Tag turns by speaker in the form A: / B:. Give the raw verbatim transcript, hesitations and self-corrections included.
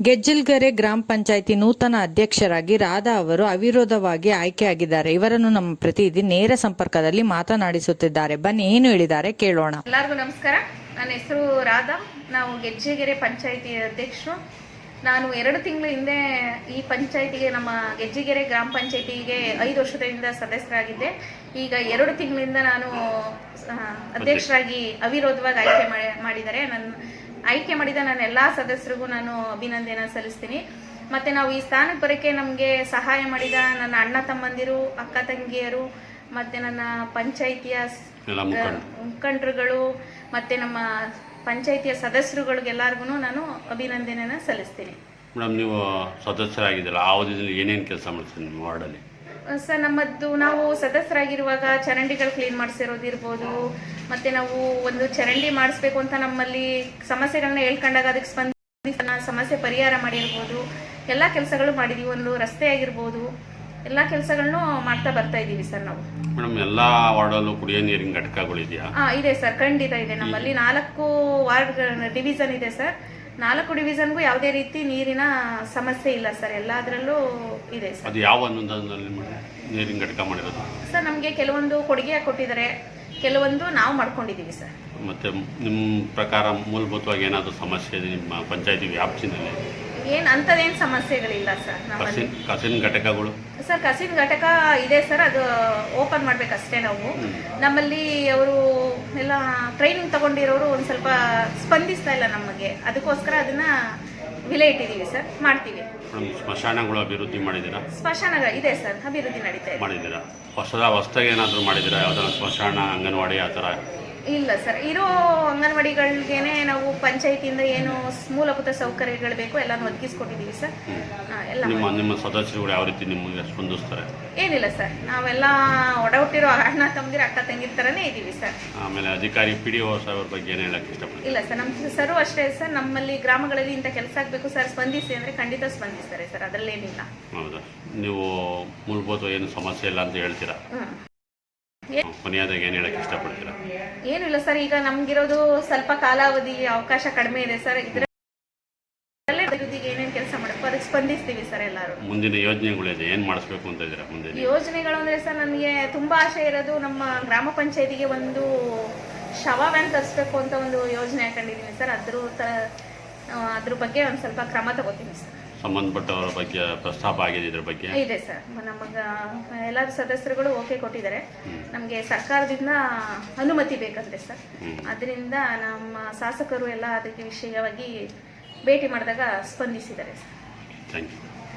A: ಗೆಜ್ಜಲ್ಗೆರೆ ಗ್ರಾಮ ಪಂಚಾಯಿತಿ ನೂತನ ಅಧ್ಯಕ್ಷರಾಗಿ ರಾಧಾ ಅವರು ಅವಿರೋಧವಾಗಿ ಆಯ್ಕೆಯಾಗಿದ್ದಾರೆ. ಇವರನ್ನು ನಮ್ಮ ಪ್ರತಿನಿಧಿ ನೇರ ಸಂಪರ್ಕದಲ್ಲಿ ಮಾತನಾಡಿಸುತ್ತಿದ್ದಾರೆ. ಬನ್ನಿ ಏನು ಹೇಳಿದ್ದಾರೆ ಕೇಳೋಣ.
B: ಎಲ್ಲರಿಗೂ ನಮಸ್ಕಾರ. ನನ್ನ ಹೆಸರು ರಾಧಾ. ನಾವು ಗೆಜ್ಜೆಗೆರೆ ಪಂಚಾಯಿತಿ ಅಧ್ಯಕ್ಷರು. ನಾನು ಎರಡು ತಿಂಗಳ ಹಿಂದೆ ಈ ಪಂಚಾಯಿತಿಗೆ, ನಮ್ಮ ಗೆಜ್ಜೆಗೆರೆ ಗ್ರಾಮ ಪಂಚಾಯಿತಿಗೆ ಐದು ವರ್ಷದಿಂದ ಸದಸ್ಯರಾಗಿದ್ದೆ. ಈಗ ಎರಡು ತಿಂಗಳಿಂದ ನಾನು ಅಧ್ಯಕ್ಷರಾಗಿ ಅವಿರೋಧವಾಗಿ ಆಯ್ಕೆ ಮಾಡಿದ್ದಾರೆ. ನನ್ನ ಆಯ್ಕೆ ಮಾಡಿದ ನನ್ನ ಎಲ್ಲ ಸದಸ್ಯರಿಗೂ ನಾನು ಅಭಿನಂದನೆ ಸಲ್ಲಿಸ್ತೀನಿ. ಮತ್ತು ನಾವು ಈ ಸ್ಥಾನಕ್ಕೆ ಬರೋಕ್ಕೆ ನಮಗೆ ಸಹಾಯ ಮಾಡಿದ ನನ್ನ ಅಣ್ಣ ತಮ್ಮಂದಿರು, ಅಕ್ಕ ತಂಗಿಯರು, ಮತ್ತು ನನ್ನ ಪಂಚಾಯಿತಿಯ ಮುಖಂಡರುಗಳು, ಮತ್ತು ನಮ್ಮ ಪಂಚಾಯಿತಿಯ ಸದಸ್ಯರುಗಳಿಗೆಲ್ಲರಿಗೂ ನಾನು ಅಭಿನಂದನೆಯನ್ನು ಸಲ್ಲಿಸ್ತೀನಿ.
C: ಮೇಡಮ್, ನೀವು ಸದಸ್ಯರಾಗಿದ್ದೀರಾ, ಆ ಅವಧಿಯಲ್ಲಿ ಏನೇನು ಕೆಲಸ ಮಾಡ್ತೀರಿ ನಿಮ್ಮ ವಾರ್ಡಲ್ಲಿ?
B: ಸರ್, ನಮ್ಮದು ನಾವು ಸದಸ್ಯರಾಗಿರುವಾಗ ಚರಂಡಿಗಳು ಕ್ಲೀನ್ ಮಾಡಿಸಿರೋದಿರ್ಬೋದು, ಮತ್ತು ನಾವು ಒಂದು ಚರಂಡಿ ಮಾಡಿಸ್ಬೇಕು ಅಂತ ನಮ್ಮಲ್ಲಿ ಸಮಸ್ಯೆಗಳನ್ನ ಹೇಳ್ಕೊಂಡಾಗ ಅದಕ್ಕೆ ಸ್ಪಂದಿಸ ಸಮಸ್ಯೆ ಪರಿಹಾರ ಮಾಡಿರ್ಬೋದು. ಎಲ್ಲ ಕೆಲಸಗಳು ಮಾಡಿದ್ದೀವಿ. ಒಂದು ರಸ್ತೆ ಆಗಿರ್ಬೋದು, ಎಲ್ಲ ಕೆಲಸಗಳನ್ನು ಮಾಡ್ತಾ ಬರ್ತಾ ಇದ್ದೀವಿ ಸರ್ ನಾವು.
C: ಮೇಡಮ್, ಎಲ್ಲ ವಾರ್ಡಲ್ಲೂ ಕುಡಿಯೋ ನೀರಿನ ಘಟಕಗಳಿದೆಯಾ?
B: ಹಾಂ, ಇದೆ ಸರ್, ಖಂಡಿತ ಇದೆ. ನಮ್ಮಲ್ಲಿ ನಾಲ್ಕು ವಾರ್ಡ್ ಡಿವಿಷನ್ ಇದೆ ಸರ್. ನಾಲ್ಕು ಡಿವಿಷನ್ಗೂ ಯಾವುದೇ ರೀತಿ ನೀರಿನ ಸಮಸ್ಯೆ ಇಲ್ಲ ಸರ್. ಎಲ್ಲದರಲ್ಲೂ ಇದೆ ಸರ್.
C: ಅದು ಯಾವ ಅನುದಾನದಲ್ಲಿ ನೀರಿನ ಘಟಕ ಮಾಡಿರೋದು?
B: ಸರ್, ನಮಗೆ ಕೆಲವೊಂದು ಕೊಡುಗೆ ಕೊಟ್ಟಿದ್ದಾರೆ, ಕೆಲವೊಂದು ನಾವು ಮಾಡ್ಕೊಂಡಿದ್ದೀವಿ ಸರ್.
C: ಮತ್ತು ನಿಮ್ಮ ಪ್ರಕಾರ ಮೂಲಭೂತವಾಗಿ ಏನಾದರೂ ಸಮಸ್ಯೆ ಇದೆ ನಿಮ್ಮ ಪಂಚಾಯತಿ ವ್ಯಾಪ್ತಿನಲ್ಲಿ?
B: ಏನು ಅಂಥದ್ದೇನು ಸಮಸ್ಯೆಗಳಿಲ್ಲ ಸರ್. ನಮ್ಮಲ್ಲಿ
C: ಕಸಿನ ಘಟಕಗಳು? ಸರ್,
B: ಕಸಿನ ಘಟಕ ಇದೆ ಸರ್. ಅದು ಓಪನ್ ಮಾಡಬೇಕಷ್ಟೇ ನಾವು. ನಮ್ಮಲ್ಲಿ ಅವರು ಎಲ್ಲ ಟ್ರೈನಿಂಗ್ ತಗೊಂಡಿರೋರು ಒಂದು ಸ್ವಲ್ಪ ಸ್ಪಂದಿಸ್ತಾ ಇಲ್ಲ ನಮಗೆ. ಅದಕ್ಕೋಸ್ಕರ ಅದನ್ನ ವಿಲೆ ಇಟ್ಟಿದ್ದೀವಿ ಸರ್. ಮಾಡ್ತೀವಿ.
C: ಸ್ಮಶಾನಗಳು ಅಭಿವೃದ್ಧಿ ಮಾಡಿದ್ದೀರಾ?
B: ಸ್ಮಶಾನ ಇದೆ ಸರ್, ಅಭಿವೃದ್ಧಿ ನಡೀತಾ ಇದೆ.
C: ಮಾಡಿದ್ದೀರಾ? ಹೊಸದ ಹೊಸದಾಗಿ ಏನಾದರೂ ಮಾಡಿದ್ದೀರಾ? ಯಾವ್ದಾದ್ರು ಸ್ಮಶಾನ, ಅಂಗನವಾಡಿ ಆ ಥರ?
B: ಇಲ್ಲ ಸರ್, ಇರೋ ಅಂಗನವಾಡಿಗಳಿಗೇನೆ ನಾವು ಪಂಚಾಯತಿಯಿಂದ ಏನು ಮೂಲಭೂತ ಸೌಕರ್ಯಗಳು ಬೇಕು ಎಲ್ಲಾನು ಒದಗಿಸ್ಕೊಟ್ಟಿದ್ದೀವಿ ಸರ್. ಎಲ್ಲ
C: ನಿಮ್ಮ ನಿಮ್ಮ ಸದಸ್ಯರುಗಳು ಯಾವ ರೀತಿ ನಿಮಗೆ ಸ್ಪಂದಿಸ್ತಾರೆ?
B: ಏನಿಲ್ಲ ಸರ್, ನಾವೆಲ್ಲ ಒಡ ಹುಟ್ಟಿರೋ ಅಣ್ಣ ತಮ್ಮದಿರ ಅಕ್ಕ ತಂಗಿರ ಥರನೇ ಇದ್ದೀವಿ ಸರ್.
C: ಆಮೇಲೆ ಅಧಿಕಾರಿ ಪಿ ಡಿ ಒ ಸಾಹೇಬ್ರ ಬಗ್ಗೆ ಏನು ಹೇಳಕ್ಕೆ ಇಷ್ಟಪಡ್ತೀನಿ?
B: ಇಲ್ಲ ಸರ್, ನಮ್ಮ ಸರು ಅಷ್ಟೇ ಸರ್. ನಮ್ಮಲ್ಲಿ ಗ್ರಾಮಗಳಲ್ಲಿ ಇಂಥ ಕೆಲಸ ಆಗಬೇಕು ಸರ್, ಸ್ಪಂದಿಸಿ ಅಂದರೆ ಖಂಡಿತ ಸ್ಪಂದಿಸ್ತಾರೆ ಸರ್, ಅದರಲ್ಲೇನಿಲ್ಲ.
C: ಹೌದಾ? ನೀವು ಮೂಲಭೂತ ಏನು ಸಮಸ್ಯೆ ಇಲ್ಲ ಅಂತ ಹೇಳ್ತೀರಾ? ಕೊನೆಯದಾಗಿ ಏನು ಹೇಳಕ್ಕೆ ಇಷ್ಟಪಡ್ತೀರಾ?
B: ಏನು ಇಲ್ಲ ಸರ್, ಈಗ ನಮ್ಗಿರೋದು ಸ್ವಲ್ಪ ಕಾಲಾವಧಿ ಅವಕಾಶ ಕಡಿಮೆ ಇದೆ ಸರ್. ಇದರಲ್ಲೇ ಅಭಿವೃದ್ಧಿಗೆ ಏನೇನು ಕೆಲಸ ಮಾಡಬೇಕು ಅದಕ್ಕೆ ಸ್ಪಂದಿಸ್ತೀವಿ ಸರ್ ಎಲ್ಲರೂ.
C: ಮುಂದಿನ ಯೋಜನೆಗಳಿದೆ, ಏನು ಮಾಡಿಸ್ಬೇಕು ಅಂತ ಇದ್ದೀರಾ ಮುಂದೆ?
B: ಯೋಜನೆಗಳು ಅಂದರೆ ಸರ್, ನನಗೆ ತುಂಬ ಆಸೆ ಇರೋದು ನಮ್ಮ ಗ್ರಾಮ ಪಂಚಾಯತಿಗೆ ಒಂದು ಶವ ವ್ಯಾನ್ ತರಿಸ್ಬೇಕು ಅಂತ ಒಂದು ಯೋಜನೆ ಹಾಕೊಂಡಿದ್ದೀನಿ ಸರ್. ಅದ್ರ ತ ಅದ್ರ ಬಗ್ಗೆ ಒಂದು ಸ್ವಲ್ಪ ಕ್ರಮ ತಗೋತೀನಿ ಸರ್.
C: ಸಂಬಂಧಪಟ್ಟವರ ಬಗ್ಗೆ ಪ್ರಸ್ತಾಪ ಆಗಿದೆ ಇದ್ರ ಬಗ್ಗೆ?
B: ಇದೆ ಸರ್. ನಮಗೆ ಎಲ್ಲ ಸದಸ್ಯರುಗಳು ಓಕೆ ಕೊಟ್ಟಿದ್ದಾರೆ. ನಮಗೆ ಸರ್ಕಾರದಿಂದ ಅನುಮತಿ ಬೇಕಂತೆ ಸರ್. ಅದರಿಂದ ನಮ್ಮ ಶಾಸಕರು ಎಲ್ಲ ಅದಕ್ಕೆ ವಿಷಯವಾಗಿ ಭೇಟಿ ಮಾಡಿದಾಗ ಸ್ಪಂದಿಸಿದ್ದಾರೆ ಸರ್.
C: Thank you.